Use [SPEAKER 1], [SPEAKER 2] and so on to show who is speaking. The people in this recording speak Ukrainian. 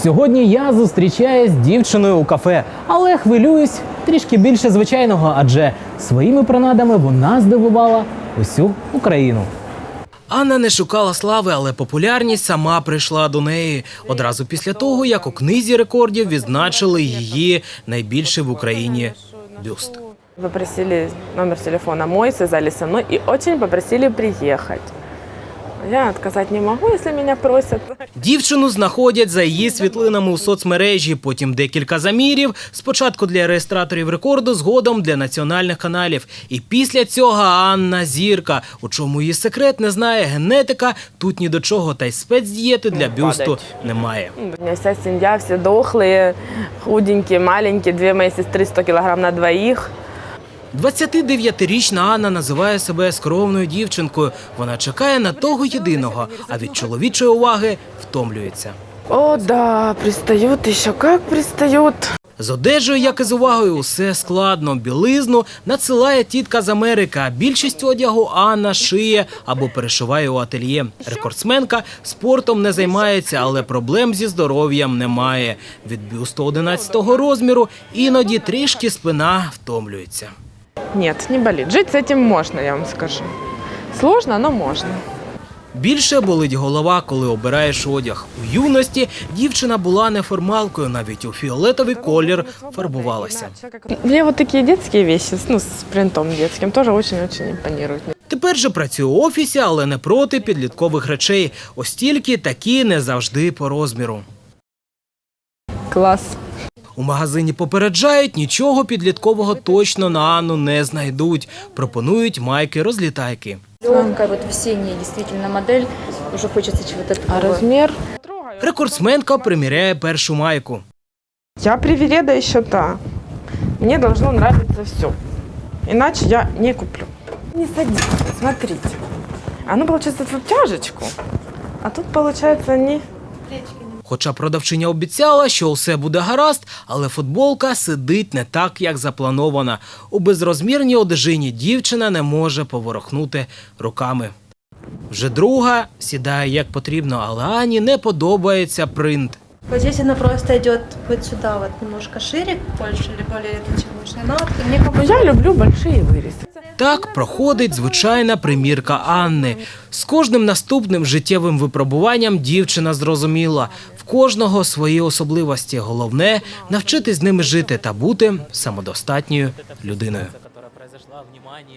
[SPEAKER 1] Сьогодні я зустрічаюсь з дівчиною у кафе, але хвилююсь трішки більше звичайного, адже своїми принадами вона здивувала усю Україну. Анна не шукала слави, але популярність сама прийшла до неї. Одразу після того, як у книзі рекордів відзначили її найбільший в Україні бюст.
[SPEAKER 2] Попросили номер телефона мой, связались со мной и очень попросили приехать. Я отказать не могу, если меня просят.
[SPEAKER 1] Дівчину знаходять за її світлинами у соцмережі, потім декілька замірів, спочатку для реєстраторів рекорду, згодом для національних каналів. І після цього Анна зірка. У чому її секрет, не знає генетика, тут ні до чого, та й спецдієти для бюсту немає.
[SPEAKER 2] У меня вся семья, все дохлые, худенькие, маленькие, 2 мои сестры 100 килограмм на двоих.
[SPEAKER 1] 29-річна Анна називає себе скромною дівчинкою. Вона чекає на того єдиного, а від чоловічої уваги втомлюється.
[SPEAKER 2] О, да, пристают еще как пристают.
[SPEAKER 1] З одежею, як і з увагою, усе складно. Білизну надсилає тітка з Америки, а більшість одягу Анна шиє або перешиває у ательє. Рекордсменка спортом не займається, але проблем зі здоров'ям немає. Від бюсту 11-го розміру іноді трішки спина втомлюється.
[SPEAKER 2] Нет, не болит. Жить с этим можно, я вам скажу. Сложно, но можно.
[SPEAKER 1] Більше болить голова, коли обираєш одяг. У юності дівчина була неформалкою, навіть у фіолетовий колір фарбувалася.
[SPEAKER 2] Мне вот такие детские вещи, ну, с принтом детским, тоже очень-очень импонируют.
[SPEAKER 1] Тепер же працює у офісі, але не проти підліткових речей. Ось тільки такі не завжди по розміру.
[SPEAKER 2] Класс.
[SPEAKER 1] У магазині попереджають, нічого підліткового точно на Анну не знайдуть. Пропонують майки-розлітайки.
[SPEAKER 3] Легкая, вот весенняя действительно модель, уже хочется чего-то
[SPEAKER 2] А
[SPEAKER 3] такого.
[SPEAKER 2] размер?
[SPEAKER 1] Рекордсменка приміряє першу майку.
[SPEAKER 2] Я привереда еще та. Мне должно нравиться все. Иначе я не куплю. Не садитесь, смотрите. Оно получается в обтяжечку, а тут получается не...
[SPEAKER 1] Хоча продавчиня обіцяла, що усе буде гаразд, але футболка сидить не так, як запланована. У безрозмірній одежині дівчина не може поворухнути руками. Вже друга сідає як потрібно, але Ані не подобається принт.
[SPEAKER 4] Вот здесь она просто идет вот сюда, вот немножко шире, больше или более тонченная. Но вот мне как бы...
[SPEAKER 2] Я люблю большие вырезы.
[SPEAKER 1] Так проходить звичайна примірка Анни. З кожним наступним життєвим випробуванням дівчина зрозуміла – в кожного свої особливості. Головне – навчитись з ними жити та бути самодостатньою людиною.